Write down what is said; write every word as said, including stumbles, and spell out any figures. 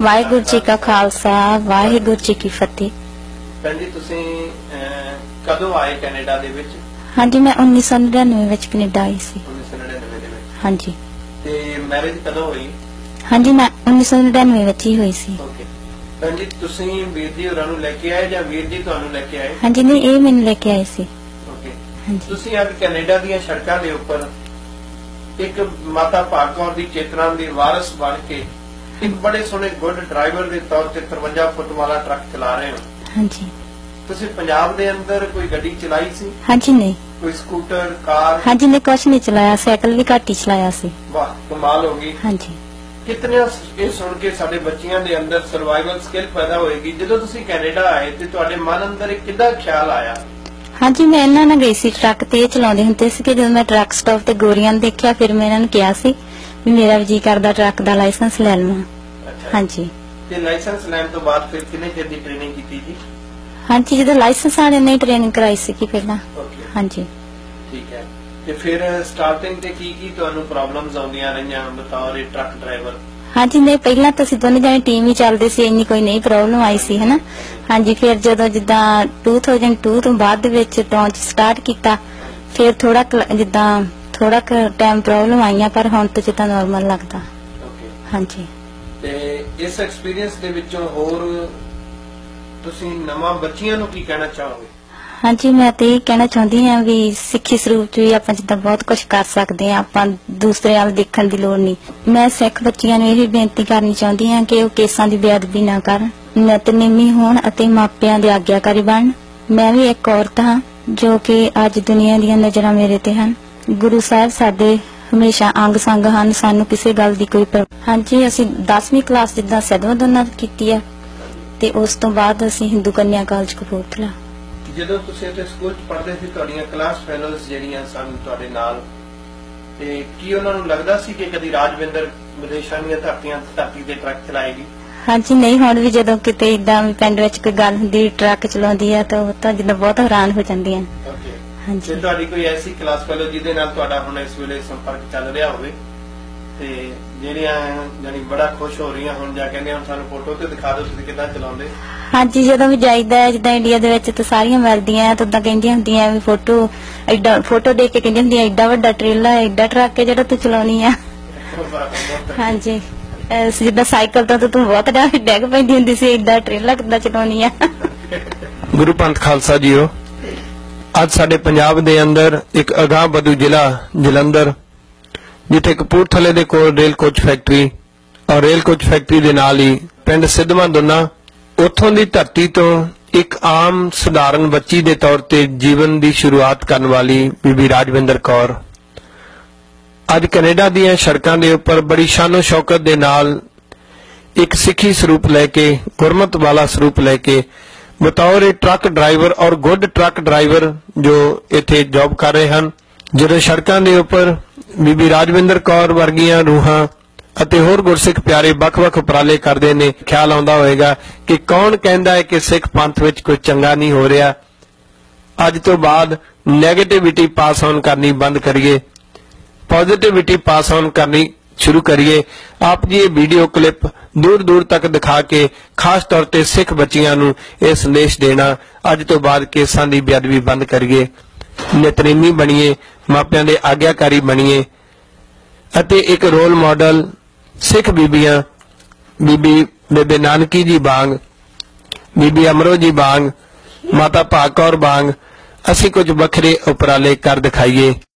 वाहिगुरू जी का खालसा वाहिगुरू जी की फतेह। ਭੈਣ ਜੀ ਤੁਸੀਂ ਕਦੋਂ ਆਏ ਕੈਨੇਡਾ ਦੇ ਵਿੱਚ? हाँ जी, मैं उन्नीस सौ नड़िनवे ਵਿੱਚ ਕੈਨੇਡਾ ਆਈ ਸੀ। ਉੱਨੀ ਸੌ ਨੜਿਨਵੇਂ ਦੇ ਵਿੱਚ। हाँ जी। ਤੇ ਮੈਰਿਜ ਕਦੋਂ ਹੋਈ? हाँ जी, मैं उन्नीस सौ नड़िनवे ਵਿੱਚ ਹੀ ਹੋਈ ਸੀ। ਓਕੇ ਭੈਣ ਜੀ, ਤੁਸੀਂ ਵੀਰ ਜੀ ਹੋਰਾਂ ਨੂੰ ਲੈ ਕੇ ਆਏ ਜਾਂ ਵੀਰ ਜੀ ਤੁਹਾਨੂੰ ਲੈ ਕੇ ਆਏ? हाँ जी, नहीं, ਇਹ ਮੈਨੂੰ ਲੈ ਕੇ ਆਏ ਸੀ। ਓਕੇ हाँ जी। ਤੁਸੀਂ ਅੱਜ ਕੈਨੇਡਾ ਦੀਆਂ ਸੜਕਾਂ ਦੇ ਉੱਪਰ ਇੱਕ ਮਾਤਾ ਭਾਗ ਕੌਰ ਦੀ ਚੇਤਨਾ ਦੀ ਵਾਰਸ ਬਣ ਕੇ ਇੱਕ ਬੜੇ ਸੋਹਣੇ ਗੁੱਡ ਡਰਾਈਵਰ ਦੇ ਤੌਰ ਤੇ ਤਰਵੰਜਾ ਫੁੱਟ ਵਾਲਾ ਟਰੱਕ ਚਲਾ ਰਹੇ ਹੋ। हाँ जी। ਤੁਸੀਂ ਪੰਜਾਬ ਦੇ ਅੰਦਰ ਕੋਈ ਗੱਡੀ ਚਲਾਈ ਸੀ? हाँ जी, नहीं। ਕੋਈ ਸਕੂਟਰ ਕਾਰ? हाँ जी, नहीं, कुछ नहीं चलाया, साइकिल भी घट ही चलाया सी। ਵਾਹ ਕਮਾਲ ਹੋ ਗਈ। हाँ जी। ਕਿਤਨੇ ਇਹ ਸੁਣ ਕੇ ਸਾਡੇ ਬੱਚਿਆਂ ਦੇ ਅੰਦਰ ਸਰਵਾਈਵਲ ਸਕਿੱਲ ਪੈਦਾ ਹੋਏਗੀ। ਜਦੋਂ ਤੁਸੀਂ ਕੈਨੇਡਾ ਆਏ ਤੇ ਤੁਹਾਡੇ ਮਨ ਅੰਦਰ ਇੱਕ ਕਿੱਦਾਂ ਖਿਆਲ ਆਇਆ? हाँ जी, मैं ਇਹਨਾਂ ਨਾਲ ਗਈ ਸੀ ਟਰੱਕ ਤੇ, ਇਹ ਚਲਾਉਂਦੇ ਹੁੰਦੇ ਸੀ ਕਿ ਜਦੋਂ ਮੈਂ ਟਰੱਕ ਸਟਾਪ ਤੇ ਗੋਰੀਆਂ ਨੂੰ ਦੇਖਿਆ ਫਿਰ ਮੈਂ ਇਹਨਾਂ ਨੂੰ ਕਿਹਾ ਸੀ ਵੀ ਮੇਰਾ ਵੀ ਜੀ ਕਰਦਾ ਟਰੱਕ ਦਾ ਲਾਇਸੈਂਸ ਲੈ ਲਵਾਂ। हाँ जी। ਤੇ ਲਾਇਸੈਂਸ ਲੈਣ ਤੋਂ ਬਾਅਦ ਫਿਰ ਕਿੰਨੇ ਚਿਰ ਦੀ ਟ੍ਰੇਨਿੰਗ ਕੀਤੀ ਜੀ? हाँ जी, ਜਦੋਂ ਲਾਇਸੈਂਸ ਵਾਲੇ ਨੇ ਟ੍ਰੇਨਿੰਗ ਕਰਾਈ ਸੀ ਕਿ ਪਹਿਲਾਂ। ਓਕੇ हाँ जी। ਠੀਕ ਹੈ। ਤੇ ਫਿਰ ਸਟਾਰਟਿੰਗ ਤੇ ਕੀ ਕੀ ਤੁਹਾਨੂੰ ਪ੍ਰੋਬਲਮਸ ਆਉਂਦੀਆਂ ਰਹੀਆਂ ਬਤੌਰ ਇਹ ਟਰੱਕ ਡਰਾਈਵਰ? हाँ जी, नहीं, ਪਹਿਲਾਂ ਤਾਂ ਅਸੀਂ ਦੋਨੇ ਜਾਣੇ ਟੀਮ ਹੀ ਚੱਲਦੇ ਸੀ, ਇੰਨੀ ਕੋਈ ਨਹੀਂ ਪ੍ਰੋਬਲਮ ਆਈ ਸੀ ਹਨਾ। हाँ जी, ਫਿਰ ਜਦੋਂ ਜਿੱਦਾਂ ਦੋ ਹਜ਼ਾਰ ਦੋ ਤੋਂ ਬਾਅਦ ਦੇ ਵਿੱਚ ਟੌਂਚ ਸਟਾਰਟ ਕੀਤਾ ਫਿਰ ਥੋੜਾ ਜਿੱਦਾਂ ਥੋੜਾ ਟਾਈਮ ਪ੍ਰੋਬਲਮ ਆਈਆਂ ਪਰ ਹੁਣ ਤਾਂ ਜਿੱਦਾਂ ਨਾਰਮਲ ਲੱਗਦਾ। ਓਕੇ हाँ जी। ਤੇ ਇਸ ਐਕਸਪੀਰੀਅੰਸ ਦੇ ਵਿੱਚੋਂ ਹੋਰ ਤੁਸੀਂ ਨਵਾਂ ਬੱਚਿਆਂ ਨੂੰ ਕੀ ਕਹਿਣਾ ਚਾਹੋਗੇ? हाँ जी, मैं तो ये कहना चाहती हाँ भी सिक्खी ਸਰੂਪ ਚ ਵੀ ਆਪਾਂ ਜਿੱਦਾਂ ਬਹੁਤ ਕੁਝ ਕਰ ਸਕਦੇ ਹਾਂ, ਆਪਾਂ ਦੂਸਰੇ ਵੱਲ ਦੇਖਣ ਦੀ ਲੋੜ ਨਹੀਂ। ਮੈਂ ਸਿੱਖ ਬੱਚਿਆਂ ਨੂੰ ਇਹ ਬੇਨਤੀ ਕਰਨੀ ਚਾਹੁੰਦੀ ਹਾਂ ਕਿ ਉਹ ਕੇਸਾਂ ਦੀ ਬੇਅਦਬੀ ਨਾ ਕਰਨ, ਨਿਤਨੇਮੀ ਹੋਣ ਅਤੇ ਮਾਪਿਆਂ ਦੇ ਆਗਿਆਕਾਰੀ ਬਣਨ। ਮੈਂ ਵੀ ਇੱਕ ਔਰਤ ਹਾਂ ਜੋ ਕਿ ਅੱਜ ਦੁਨੀਆ ਦੀਆਂ ਨਜ਼ਰਾਂ ਮੇਰੇ ਤੇ ਹਨ। ਗੁਰੂ ਸਾਹਿਬ ਸਾਡੇ ਹਮੇਸ਼ਾ ਅੰਗ ਸੰਗ ਹਨ, ਸਾਨੂੰ ਕਿਸੇ ਗੱਲ ਦੀ ਕੋਈ ਪਰ। ਹਾਂਜੀ, ਅਸੀਂ ਦਸਵੀਂ ਕਲਾਸ ਜਿੱਦਾਂ ਸਦਵਾ ਦੋਨਾਂ ਕੀਤੀ ਆ ਤੇ ਉਸ ਤੋਂ ਬਾਅਦ ਅਸੀਂ ਹਿੰਦੂ ਕੰਨਿਆ ਕਾਲਜ ਕਪੂਰਥਲਾ। ਜਦੋਂ ਤੁਸੀਂ ਇੱਥੇ ਸਕੂਲ 'ਚ ਪੜ੍ਹਦੇ ਸੀ ਤੁਹਾਡੀਆਂ ਕਲਾਸ ਫੈਲੋਜ਼ ਜਿਹੜੀਆਂ ਸਨ ਤੁਹਾਡੇ ਨਾਲ, ਤੇ ਕੀ ਉਹਨਾਂ ਨੂੰ ਲੱਗਦਾ ਸੀ ਕਿ ਕਦੀ ਰਾਜਵਿੰਦਰ ਵਿਦੇਸ਼ਾਂ ਦੀਆਂ ਧਰਤੀਆਂ ਧਰਤੀ ਤੇ ਟਰੱਕ ਚਲਾਏਗੀ? ਹਾਂਜੀ, ਨਹੀਂ, ਹੁਣ ਵੀ ਜਦੋਂ ਕਿਤੇ ਇਦਾਂ ਪਿੰਡ ਵਿੱਚ ਕੋਈ ਗੱਲ ਹੁੰਦੀ ਟਰੱਕ ਚਲਾਉਂਦੀ ਆ ਤਾਂ ਉਹ ਤਾਂ ਜਿੱਦਾਂ ਬਹੁਤ ਹੈਰਾਨ ਹੋ ਜਾਂਦੀਆਂ। ਓਕੇ। ਹਾਂਜੀ। ਤੇ ਤੁਹਾਡੀ ਕੋਈ ਐਸੀ ਕਲਾਸ ਫੈਲੋ ਜਿਹਦੇ ਨਾਲ ਤੁਹਾਡਾ ਹੁਣ ਇਸ ਵੇਲੇ ਸੰਪਰਕ ਚੱਲ ਰਿਹਾ ਹੋਵੇ ਤੇ ਜਿਹੜੀਆਂ ਜਾਨੀ ਬੜਾ ਖੁਸ਼ ਹੋ ਰਹੀਆਂ ਹੁਣ ਜਾ ਕਹਿੰਦੇ ਹੁਣ ਸਾਨੂੰ ਫੋਟੋ ਤੇ ਦਿਖਾ ਦਿਓ ਤੁਸੀਂ ਕਿੱਦਾਂ ਚਲਾਉਂਦੇ? ਹਾਂਜੀ, ਜਦੋਂ ਵੀ ਜਾਈਦਾ ਜਿੱਦਾਂ ਇੰਡੀਆ ਦੇ ਵਿੱਚ ਤਾਂ ਸਾਰੀਆਂ ਮਿਲਦੀਆਂ ਤਾਂ ਉਦਾਂ ਕਹਿੰਦੀਆਂ ਹੁੰਦੀਆਂ ਵੀ ਫੋਟੋ ਐਡਾ ਫੋਟੋ ਦੇਖ ਕੇ ਕਹਿੰਦੀਆਂ ਹੁੰਦੀਆਂ ਐਡਾ ਵੱਡਾ ਟ੍ਰੇਲਰ ਐਡਾ ਟਰੱਕ ਹੈ ਜਿਹੜਾ ਤੂੰ ਚਲਾਉਣੀ ਆ। ਹਾਂਜੀ, ਜਿੱਦਾਂ ਸਾਈਕਲ ਤੋਂ ਤੂੰ ਬਹੁਤ ਡੈਗ ਪੈਂਦੀ ਹੁੰਦੀ ਸੀ, ਐਡਾ ਟ੍ਰੇਲਰ ਕਿੱਦਾਂ ਚਲਾਉਣੀ ਆ। ਗੁਰੂ ਪੰਥ ਖਾਲਸਾ ਜੀਓ, ਅੱਜ ਸਾਡੇ ਪੰਜਾਬ ਦੇ ਅੰਦਰ ਇੱਕ ਅਗਾਂਹ ਵਧੂ ਜ਼ਿਲ੍ਹਾ ਜਲੰਧਰ ਜਿੱਥੇ ਕਪੂਰਥਲੇ ਦੇ ਕੋਲ ਰੇਲ ਕੋਚ ਫੈਕਟਰੀ ਔਰ ਰੇਲ ਕੋਚ ਫੈਕਟਰੀ ਦੇ ਨਾਲ ਹੀ ਪਿੰਡ ਸਿੱਧਵਾਂ ਦੋਨਾ, ਉੱਥੋਂ ਦੀ ਧਰਤੀ ਤੋਂ ਇੱਕ ਆਮ ਸਧਾਰਨ ਬੱਚੀ ਦੇ ਤੌਰ ਤੇ ਜੀਵਨ ਦੀ ਸ਼ੁਰੂਆਤ ਕਰਨ ਵਾਲੀ ਬੀਬੀ ਰਾਜਵਿੰਦਰ ਕੌਰ ਅੱਜ ਕੈਨੇਡਾ ਦੀਆਂ ਸੜਕਾਂ ਦੇ ਉੱਪਰ ਬੜੀ ਸ਼ਾਨੋ ਸ਼ੌਕਤ ਦੇ ਨਾਲ ਇੱਕ ਸਿੱਖੀ ਸਰੂਪ ਲੈ ਕੇ, ਗੁਰਮਤ ਵਾਲਾ ਸਰੂਪ ਲੈ ਕੇ ਬਤੌਰ ਟਰੱਕ ਡਰਾਈਵਰ ਔਰ ਗੁੱਡ ਟਰੱਕ ਡਰਾਈਵਰ ਜੋ ਇੱਥੇ ਜੌਬ ਕਰ ਰਹੇ ਹਨ। ਜਦੋਂ ਸੜਕਾਂ ਦੇ ਉੱਪਰ ਬੀਬੀ ਰਾਜਵਿੰਦਰ ਕੌਰ ਵਰਗੀਆਂ ਰੂਹਾਂ ਅਤੇ ਹੋਰ ਗੁਰਸਿੱਖ ਪਿਆਰੇ ਵੱਖ-ਵੱਖ ਉਪਰਾਲੇ ਕਰਦੇ ਨੇ, ਖਿਆਲ ਆਉਂਦਾ ਹੋਵੇਗਾ ਕਿ ਕੌਣ ਕਹਿੰਦਾ ਹੈ ਕਿ ਸਿੱਖ ਪੰਥ ਵਿੱਚ ਕੋਈ ਚੰਗਾ ਨਹੀਂ ਹੋ ਰਿਹਾ। ਅੱਜ ਤੋਂ ਬਾਅਦ ਨੈਗੇਟਿਵਿਟੀ ਪਾਸ ਆਨ ਕਰਨੀ ਬੰਦ ਕਰੀਏ, ਪੋਜ਼ਿਟਿਵਿਟੀ ਪਾਸ ਆਨ ਕਰਨੀ ਸ਼ੁਰੂ ਕਰੀਏ। ਆਪ ਜੀ ਇਹ ਵੀਡੀਓ ਕਲਿੱਪ ਦੂਰ ਦੂਰ ਤੱਕ ਦਿਖਾ ਕੇ ਖਾਸ ਤੌਰ ਤੇ ਸਿੱਖ ਬੱਚਿਆਂ ਨੂੰ ਇਹ ਸੰਦੇਸ਼ ਦੇਣਾ, ਅੱਜ ਤੋਂ ਬਾਅਦ ਕੇਸਾਂ ਦੀ ਬੇਅਦਬੀ ਬੰਦ ਕਰੀਏ, ਨਿਤਨੇਮੀ ਬਣੀਏ, ਮਾਪਿਆਂ ਦੇ ਆਗਿਆਕਾਰੀ ਬਣੀਏ ਅਤੇ ਇੱਕ ਰੋਲ ਮਾਡਲ ਸਿੱਖ ਬੀਬੀਆਂ, ਬੀਬੀ ਬੇਬੇ ਨਾਨਕੀ ਜੀ ਵਾਂਗ, ਬੀਬੀ ਅਮਰੋ ਜੀ ਵਾਂਗ, ਮਾਤਾ ਭਾਗ ਕੌਰ ਵਾਂਗ ਅਸੀਂ ਕੁਝ ਵੱਖਰੇ ਉਪਰਾਲੇ ਕਰ ਦਿਖਾਈਏ।